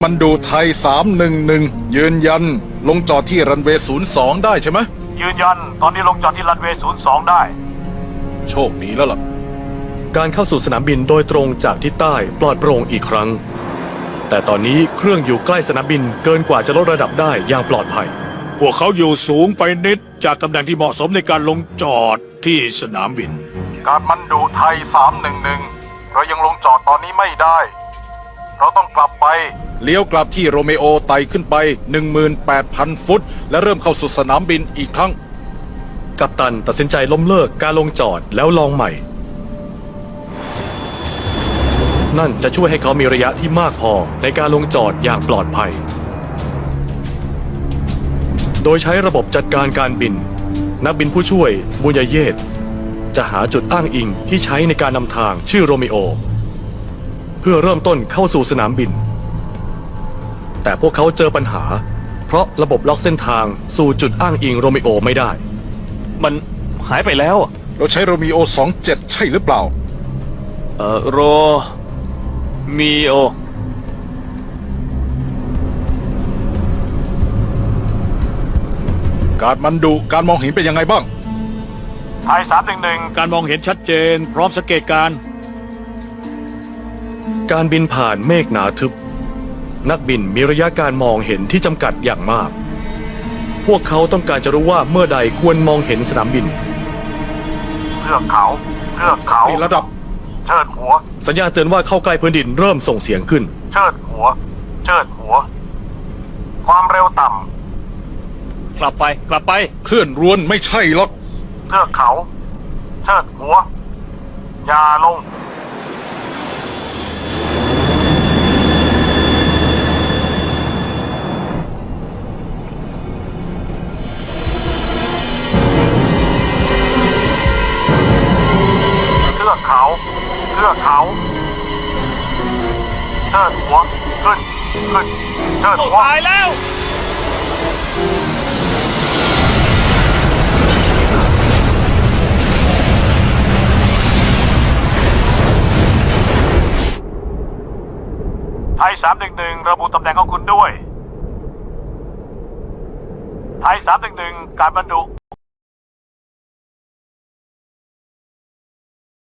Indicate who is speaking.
Speaker 1: มันดูไทย311ยืนยันลงจอดที่รันเวย์02ได้ใช่ไหม
Speaker 2: ยืนยันตอนนี้ลงจอดที่รันเวย์02ได้
Speaker 1: โชคดีแล้วล่ะ
Speaker 3: การเข้าสู่สนามบินโดยตรงจากทิศใต้ปลอดโปร่งอีกครั้งแต่ตอนนี้เครื่องอยู่ใกล้สนามบินเกินกว่าจะลดระดับได้อย่างปลอดภัย
Speaker 4: พวกเขาอยู่สูงไปนิดจากตำแหน่งที่เหมาะสมในการลงจอดที่สนามบิน
Speaker 2: การมันดูไทย311เรายังลงจอดตอนนี้ไม่ได้เราต้องกลับไป
Speaker 1: เลี้ยวกลับที่โรเมโอไต่ขึ้นไป 18,000 ฟุตและเริ่มเข้าสู่สนามบินอีกครั้ง
Speaker 3: กัปตันตัดสินใจล้มเลิกการลงจอดแล้วลองใหม่นั่นจะช่วยให้เขามีระยะที่มากพอในการลงจอดอย่างปลอดภัยโดยใช้ระบบจัดการการบินนักบินผู้ช่วยบุญญเยศจะหาจุดอ้างอิงที่ใช้ในการนำทางชื่อโรมิโอเพื่อเริ่มต้นเข้าสู่สนามบินแต่พวกเขาเจอปัญหาเพราะระบบล็อกเส้นทางสู่จุดอ้างอิงโรมิโอไม่ได้
Speaker 5: มันหายไปแล้ว
Speaker 1: เราใช้โรมิโอ27ใช่หรือเปล่า
Speaker 5: โรมิโอ
Speaker 1: การมันดูการมองเห็นเป็นยังไงบ้าง
Speaker 2: ไทย311
Speaker 4: การมองเห็นชัดเจนพร้อมสังเกต
Speaker 3: การบินผ่านเมฆหนาทึบนักบินมีระยะการมองเห็นที่จำกัดอย่างมากพวกเขาต้องการจะรู้ว่าเมื่อใดควรมองเห็นสนามบิน
Speaker 2: เทือกเขา
Speaker 1: นี่ระดับ
Speaker 2: เชิดหัว
Speaker 3: สัญญาณเตือนว่าเข้าใกล้พื้นดินเริ่มส่งเสียงขึ้น
Speaker 2: เชิดหัวความเร็วต่
Speaker 5: ำกลับไป
Speaker 1: เคลื่อนรวนไม่ใช่หรอก
Speaker 2: เทือกเขาเชิดหัวอย่าลงเทือกเขาเชิดหัวขึ้นเชิดหัว
Speaker 5: ตายแล้ว
Speaker 2: ไทย311ระบุตำแหน่งของคุณด้วยไทย311การบรรดุ